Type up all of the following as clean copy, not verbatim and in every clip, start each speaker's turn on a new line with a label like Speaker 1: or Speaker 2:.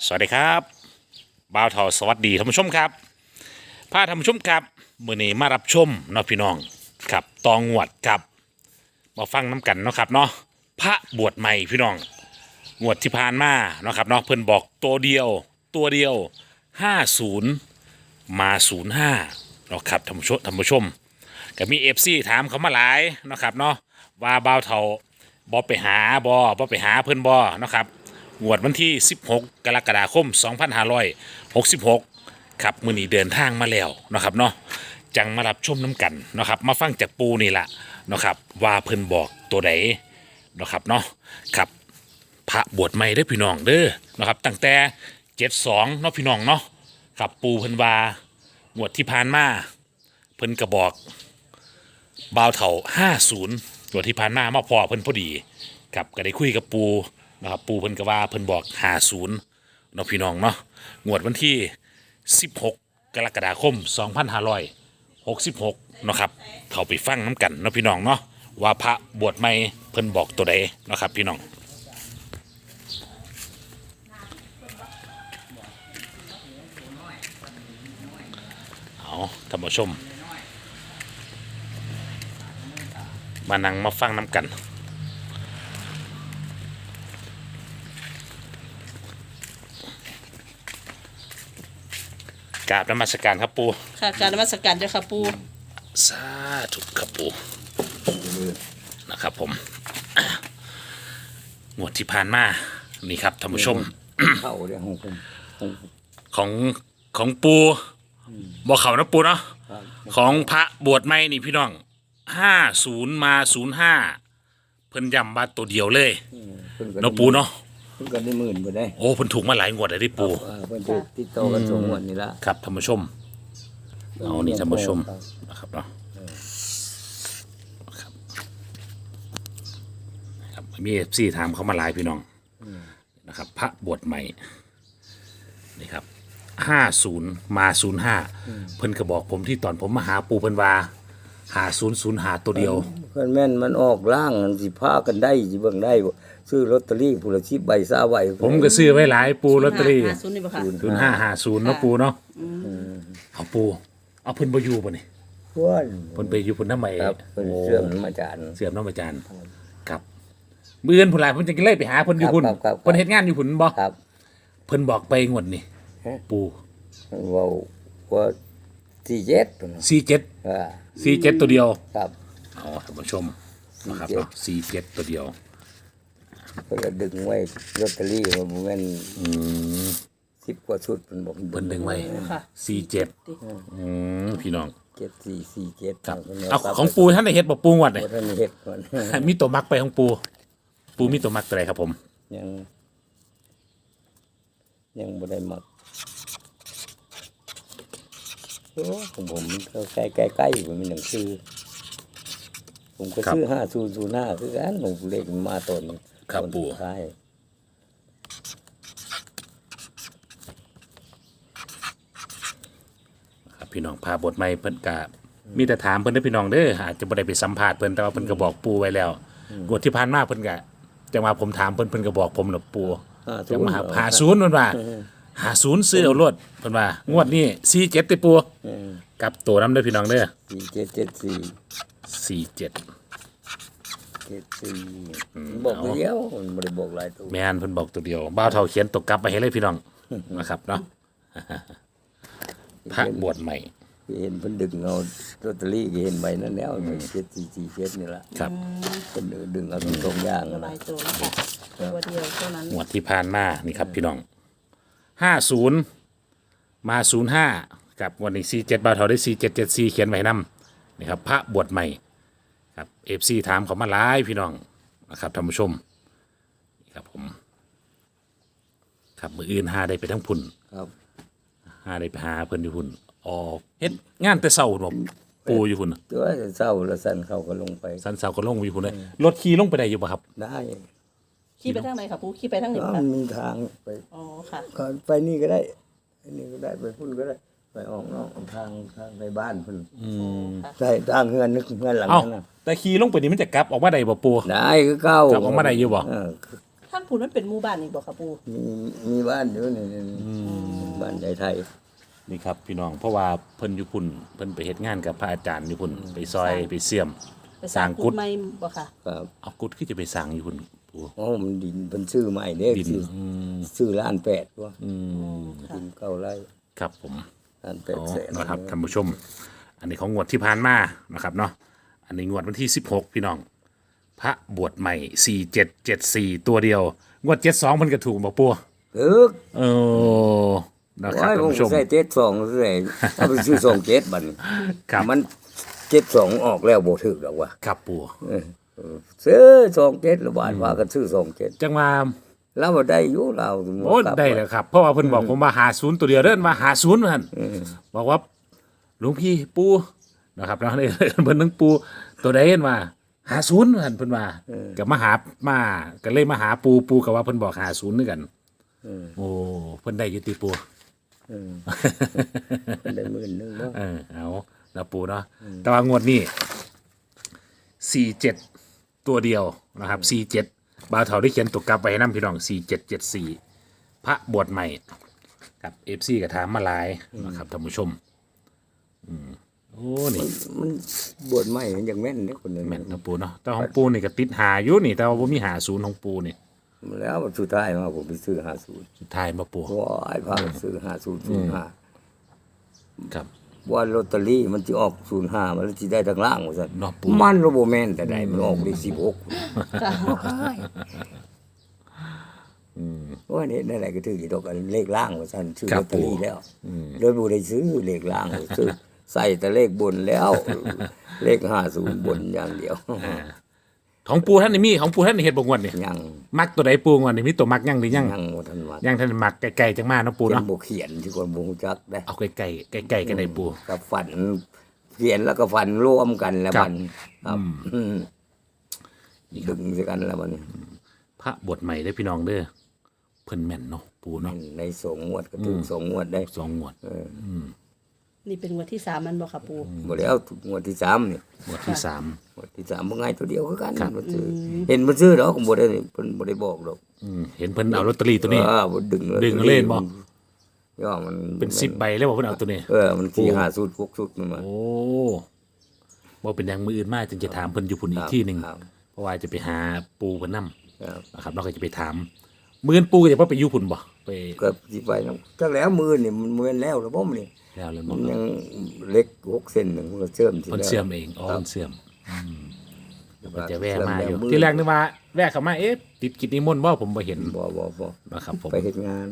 Speaker 1: สวัสดีครับบ่าวทอสวัสดีท่านผู้ชมครับพาท่านผู้ชมครับมื้อนี้มารับชมเนาะพี่น้องครับตองวดครับมาฟังน้ำกันเนาะครับเนาะพระบวชใหม่พี่น้องงวดที่ผ่านมาเนาะครับเนาะเพิ่นบอกตัวเดียว50มา05เนาะครับท่านผู้ชมก็มี FC ถามเขามาหลายเนาะครับเนาะว่าบ่าวเฒ่าบ่ไปหาบ่ไปหาเพิ่นบ่เนาะครับ งวดวันที่ 16 กรกฎาคม 2566 ครับมื้อนี้เดินทางมาแล้วเนาะครับเนาะจังมารับชมน้ำกันเนาะครับมาฟังจากปูนี่ละเนาะครับว่าเพิ่นบอกตัวใดเนาะครับเนาะครับพระบวชใหม่เด้อพี่น้องเด้อเนาะครับตั้งแต่72เนาะพี่น้องเนาะครับปูเพิ่นว่างวดที่ผ่านมาเพิ่นก็บอกบ่าวเฒ่า50งวดที่ผ่านมามาพอเพิ่นพอดีครับก็ได้คุยกับปูนะครับปูเพิ่นก็ว่าเพิ่นบอก50เนาะพี่น้องเนาะงวดวันที่16กรกฎาคม2566เนาะครับเข้าไปฟังน้ำกันเนาะพี่น้องเนาะว่าพระบวชใหม่เพิ่นบอกตัวใดเนาะครับพี่น้องเอาท่านผู้ชมมานั่งมาฟังน้ำกันกราบนมัสการครับปู
Speaker 2: ค่ะการนมัสการเจ้าค่ะปู
Speaker 1: สาธุครับปูนะครับผมงวดที่ผ่านมานี่ครับท่านผู้ชม
Speaker 3: เข้าเรื่องของผม
Speaker 1: ของของปูบอกเขานะปูเนาะของพระบวชใหม่นี่พี่น้อง50มา05เพิ่นย้ำมาตัวเดียวเลยเนาะปูเนาะ
Speaker 3: เพิ่นก็ได้หมื่นบ่ได้
Speaker 1: โอ้เพิ่นถูกมาหลายงวดเลยที่ปู
Speaker 3: เพิ่นจะติดต่อกันสองงวดนี่ละ
Speaker 1: ครับท่านผู้ชมเอานี่ท่านผู้ชมนะครับเนาะครับมีFCถามเขามาหลายพี่น้องนะครับพระบวชใหม่นี่ครับ50มา05เพิ่นก็บอกผมที่ตอนผมมาหาปูเพิ่นว่า5005ตัวเดียว
Speaker 3: เพิ่นแม่นมันออกล่างมันสิพากันได้สิเบิ่งได้บ่ซื้อลอตเตอรี่ผู้ละ10ใบ20ใบ
Speaker 1: ผมก็ซื้อไว้หลายปูลอตเตอรี่
Speaker 2: 50นี่บ่ค่ะ
Speaker 1: 0550เนาะปูเนาะเอาปูเอาเพิ่นบ่อยู่บ่นี่
Speaker 3: เพิ่น
Speaker 1: เพิ่นไปอยู่เพิ่นนำไม
Speaker 3: ครับเพิ่นเสื่อมมาจาน
Speaker 1: เสื่อมน้องอาจารย์ครับมื้ออื่นพุ่นล่ะเพิ่นจะเลยไปหาเพิ่นอยู่พุ่น
Speaker 3: ครับ
Speaker 1: เพิ่นเฮ็ดงานอยู่พุ่นบ่
Speaker 3: ครับ
Speaker 1: เพิ่นบอกไปงวดนี่
Speaker 3: ฮะ
Speaker 1: ปู
Speaker 3: เว้าว่า47พุ่น
Speaker 1: 47
Speaker 3: อ่า
Speaker 1: 47ตัวเดียว
Speaker 3: ครับ
Speaker 1: อ๋อท่านผู้ชมนะครับเนาะ47ตัวเดียว
Speaker 3: เพิ่นก็ดึงไว้ลอตเตอรี่ว่าบ่แม่น10กว่าชุดเพิ่นบอก
Speaker 1: เพิ่นดึงไว้
Speaker 2: ค่ะ
Speaker 1: 47พี่น้อง
Speaker 3: 7447
Speaker 1: ครับเอาของปูท่านได้เฮ็ดบ่ปูงวดนี่
Speaker 3: บ่ทันเฮ็ดก่อน
Speaker 1: มีตัวมักไปของปูปูมีตัวมักตัวใดครับผม
Speaker 3: ยังบ่ได้หมักโอ้ของผมก็ใกล้ๆผมมีหนังสือผมก็ซื้อ5005คือกันผมเลขมันมาตน
Speaker 1: ครับ
Speaker 3: ตน
Speaker 1: ปู่
Speaker 3: สุดท้าย
Speaker 1: ครับพี่น้องพาบทใหม่เพิ่นก็มีแต่ถามเพิ่นเด้อพี่น้องเด้ออาจจะบ่ได้ไปสัมภาษณ์เพิ่นแต่ว่าเพิ่นก็บอกปูไว้แล้วงวดที่ผ่านมาเพิ่นก็จังว่าผมถามเพิ่นก็บอกผมน่ะปูจังมาหา50เพิ่นว่า50ซื้อเอารถเพิ่นว่างวดนี้47ติปูกลับตัวนํเด้อพี่น้องเด้อ
Speaker 3: 4774
Speaker 1: 47
Speaker 3: 74บอกเดียวมันบ่ได้บอกหลายตัว
Speaker 1: แม่นเพิ่นบอกตัวเดียวบ่าวเฒ่าเขียนตกกลับไปให้เลยพี่น้องนะครับเนาะพระบวชใหม่
Speaker 3: เห็นเพิ่นดึงเอาลอตเตอรี่ก็เห็นใบนั้นแล้ว7447นี่ล่ะ
Speaker 1: ครับ
Speaker 3: เพิ่นดึงเอาตรงๆอย่าง
Speaker 2: ห
Speaker 3: นะ
Speaker 2: ลายตัวนะคะตัวเดียวเท่านั้น
Speaker 1: งวดที่ผ่านมานี่ครับพี่น้อง50มา05กับวันนี้47บ่าวเฒ่าได้4774เขียนไว้นํนี่ครับพระบวชใหม่ครับ FC ถามเขามาหลายพี่น้องนะครับท่านผู้ชมนี่ครับผมครับมื้ออื่นหาได้ไปทั้งพุ่น
Speaker 3: ครับ
Speaker 1: หาได้ไปหาเพิ่นอยู่พุ่นอ๋อเฮ็ดงานแต่เช้าพุ่นบ่ปูอยู่พุ่นน่ะ
Speaker 3: ตัวเศร้าแล้วสั่นเขาก็ลงไป
Speaker 1: สันเช้าก็ลงอยู่พุ่นเลยรถขี่ลงไปได้อยู่บ่ครับ
Speaker 3: ได้
Speaker 2: ขี่ไปทางไหนค่ะปูขี่ไปทางไหน
Speaker 3: ก็
Speaker 2: ค่ะ
Speaker 3: มีทางไป
Speaker 2: อ๋อค่ะ
Speaker 3: ก็ไปนี่ก็ได้อันนี้ก็ได้ไปพุ่นก็ได้ ไปออกนอกทางไปบ้านพุ่น
Speaker 2: ค่ะ
Speaker 3: ใช่ทางเฮือนนึกเฮือนหลัง
Speaker 1: เอ้า
Speaker 3: นั้นน่ะ
Speaker 1: แต่ขี่ลงไปนี่มันจะกลับออกมาได้บ่ปู
Speaker 3: ได้คือเก่าก
Speaker 1: ลับออกมาได้อยู่บ่
Speaker 3: เออ
Speaker 2: ทางพูนมันเป็นหมู่บ้านอีกบ่ค่ะปู
Speaker 3: มีบ้านอยู่นี่บ้านใหญ่ไทย
Speaker 1: นี่ครับพี่น้องเพราะว่าเพิ่นอยู่พุ่นเพิ่นไปเฮ็ดงานกับพระอาจารย์อยู่พุ่นไปซอยไปเสี่ยม
Speaker 2: ไปสร้างกุฏใหม่บ่ค่ะ
Speaker 3: ครับ
Speaker 1: เอากุดคือจะไปสร้างอยู่พุ่นปู
Speaker 3: อ๋อมันดินเป็นชื่อใหม่เด้
Speaker 1: ดิน
Speaker 3: ชื่อล้านแปดวะ
Speaker 1: อืม
Speaker 3: ดินเก้าไร่
Speaker 1: ครับผม
Speaker 3: ล้านแปด
Speaker 1: อ๋อ
Speaker 3: แสน
Speaker 1: นะครับท่านผู้ชม อันนี้ของงวดที่ผ่านมานะครับเนาะอันนี้งวดวันที่16พี่น้อง พระบวชใหม่4774ตัวเดียวงวด72มันก็ถูกบ่ปัว
Speaker 3: เออ
Speaker 1: เออนะครับ
Speaker 3: ว่า
Speaker 1: ท่าน
Speaker 3: ผม
Speaker 1: ผู้ชม
Speaker 3: ใส่72ใส่ถ้าไปซื้อ27บัดนี้
Speaker 1: ครับ
Speaker 3: มัน72ออกแล้วบ่ถูกดอกว่ะ
Speaker 1: ครับปัว
Speaker 3: ซื้อ27ละบาทว่ากันซื้อ27
Speaker 1: จังว่า
Speaker 3: แล้วบ่ได้อยู่เรา
Speaker 1: โอ้ได้แล้วครับ เพราะว่าเพิ่นบอกผมว่า50ตัวเดียวเด้อมา50นั่นบอกว่าหลวงพี่ปูนะครับแล้วนี่ เพิ่นนึงปูตัวใดเห็นว่า50นั่นเพิ่นว่าก็มาหามาก็เลยมาหาปูก็ว่าเพิ่นบอก50นึกันโอ้เพิ่นได้อยู่ติปู
Speaker 3: ได้หมื่นหนึงบ่
Speaker 1: เอาแล้วปูเนาะแต่ว่างวดนี้47ตัวเดียวนะครับ47บ่าวเฒ่าได้เขียนตัวกลับไว้ให้นำพี่น้อง4774พระบวชใหม่ครับ FC ก็ถามมาหลายนะครับท่านผู้ชมโอ้นี่
Speaker 3: มันบวชใหม่มันยังแม่นเด้อคนนึง
Speaker 1: แม่นนะปูเนาะแต่ของปูนี่ก็ติดหาอยู่นี่แต่ว่าบ่มีหาศูนย์ของปูนี่
Speaker 3: แล้วสุดท้ายมาผมไปซื้อ50
Speaker 1: สุดท้ายมาปู
Speaker 3: ว้ายพาไปซื้อ5005
Speaker 1: ครับ
Speaker 3: ว่าลอตเตอรี่มันจะออก05มันสิได้ทางล่างว่าซั่น
Speaker 1: เนาะปู
Speaker 3: มันบ่แม่นแต่ใดมันออกได้16ว่านี่นั่นแหละก็ถือกี่ดอกอันเลขล่างว่าซั่นซื้อลอตเตอรี่แล้วเลยบ่ได้ซื้อเลขล่างซื้อใส่แต่เลขบนแล้ว เลข50บนอย่างเดียว
Speaker 1: ของปูท่านนี่มีของปูท่านนี่เฮ็ดบ่งวดนี่
Speaker 3: ยัง
Speaker 1: มักตัวใดปูงวดนี่มีตัวมักยังหรือยัง
Speaker 3: ยังบ่ทันว่า
Speaker 1: ยังท่านมักไกลๆจังมาเนาะปู
Speaker 3: เขียน
Speaker 1: เนาะ
Speaker 3: บ่เขียนที่คนบ่รู้จักได้
Speaker 1: เอาใกล้ๆใกล้ๆกันได้ปู
Speaker 3: กับฝันเขียนแล้วก็ฝันรวมกันแล้ว
Speaker 1: ครับ
Speaker 3: มันครับดึงด้วยกันแล้วมัน
Speaker 1: พระบวชใหม่ได้อพี่น้องเด้อเพิ่นแม่นเนาะปูเนาะ
Speaker 3: ในสงงวดก็ถึงสงงวดได้
Speaker 1: สองงวด
Speaker 2: นี่เป็นงวดที่3มันบ่ค่ะปู
Speaker 3: บ่แล้วงวดที่3นี่
Speaker 1: งวดที่สาม
Speaker 3: งวดที่3บ่ง่ายตัวเดียวคือกัน
Speaker 1: ครับ
Speaker 3: มันซื้อเห็นมันซื้อดอกก็บ่ได้เพิ่นบ่ได้บอกดอก
Speaker 1: เห็นเพิ่นเอาลอตเตอรี่ตัวนี้
Speaker 3: บ่ดึง
Speaker 1: ดึงเล่นบ่
Speaker 3: ย่อมัน
Speaker 1: เป็น10ใบเลยบ่เพิ่นเอาตัวนี้
Speaker 3: มัน4 5สุด6สุดมันมา
Speaker 1: โอ้บ่เป็นอย่างมืออื่นมาจึงจะถามเพิ่นอยู่พุ่นอีกที่หนึง
Speaker 3: ครับ
Speaker 1: เพราะว่าจะไปหาปูเพิ่นนำ
Speaker 3: ครับ
Speaker 1: นะครับเราก็จะไปถามมื้ออนปูก็จะบ่ไปอยู่พุ่นบ่ไป
Speaker 3: ก็สิไปนำจักแล้วมือนี่มันแม่นแล้วบ่มนี่
Speaker 1: แล้วเลย
Speaker 3: มั
Speaker 1: บ่
Speaker 3: นยังเล็ก6เส้นนึงมันก็เชื่อมสิ
Speaker 1: เพิ่น
Speaker 3: แล้ว
Speaker 1: เสื่อมเองอ๋อเพิ่นเสื่อมก็จะแวะมาอยู่
Speaker 3: เชื่อมแล้ว
Speaker 1: ที่แรกนึกว่าแวะเข้ามาเอ๊ะติดกิจนิมนต์บ่ผมบ่เห็น
Speaker 3: บ่
Speaker 1: นะครับผม
Speaker 3: ไปเฮ็ดงาน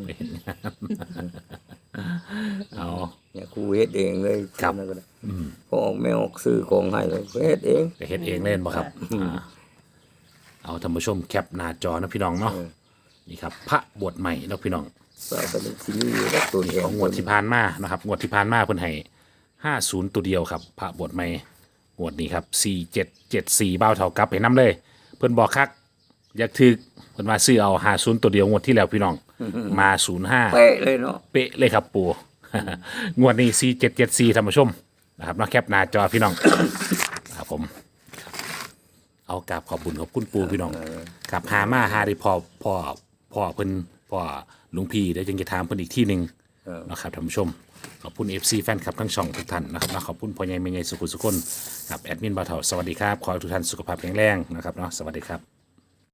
Speaker 1: เอา
Speaker 3: เนี่ยครูเฮ็ดเองเลย
Speaker 1: ครับ
Speaker 3: นั่นก็ได้พอออกไม่ออกซื้อของให้เลยเฮ็ดเอง
Speaker 1: ไปเฮ็ดเองเล่นบ่ครับเอาท่านผู้ชมแคปหน้าจอนะพี่น้องเนาะนี่ครับพระบวชใหม่เนาะพี่น้อง
Speaker 3: ใส่ไปในที่นี่แล้วตัวแท
Speaker 1: ของงวดที่ผ่านมานะครับงวดที่ผ่านมาเพิ่นให้50ตัวเดียวครับพระบวชใหม่งวดนี้ครับ4774บ้าวเท่ากับให้นํเลย เพิ่นบอกคักอยากถึกเพิ่นว่าซื้อเอา50ตัวเดียวงวดที่แล้วพี่น้องมา05
Speaker 3: เป๊ะเลยเนาะ
Speaker 1: เป๊ะเลยครับปู งวดนี้4774ท่านผู้ชมนะครับเนาะแคปหน้าจอพี่น้อง ครับผมเอากราบขอบคุณขอบคุณปูพี่น้องครับหามาหาได้พอเพิ่นพ่อหลุงพี่ได้วจึงจะถามเพิ่นอีกที่หนึ่งนะครับท่านผู้ชมขอบคุณ FC แฟนคลับทั้งช่องทุกท่านนะครับนะขอบคุณพ่อใหญ่แม่ใหญ่สุขุสุคนครับแอดมินบ่าวเฒ่าสวัสดีครับขอให้ทุกท่านสุขภาพแข็งแรงนะครับเนาะสวัสดีครับ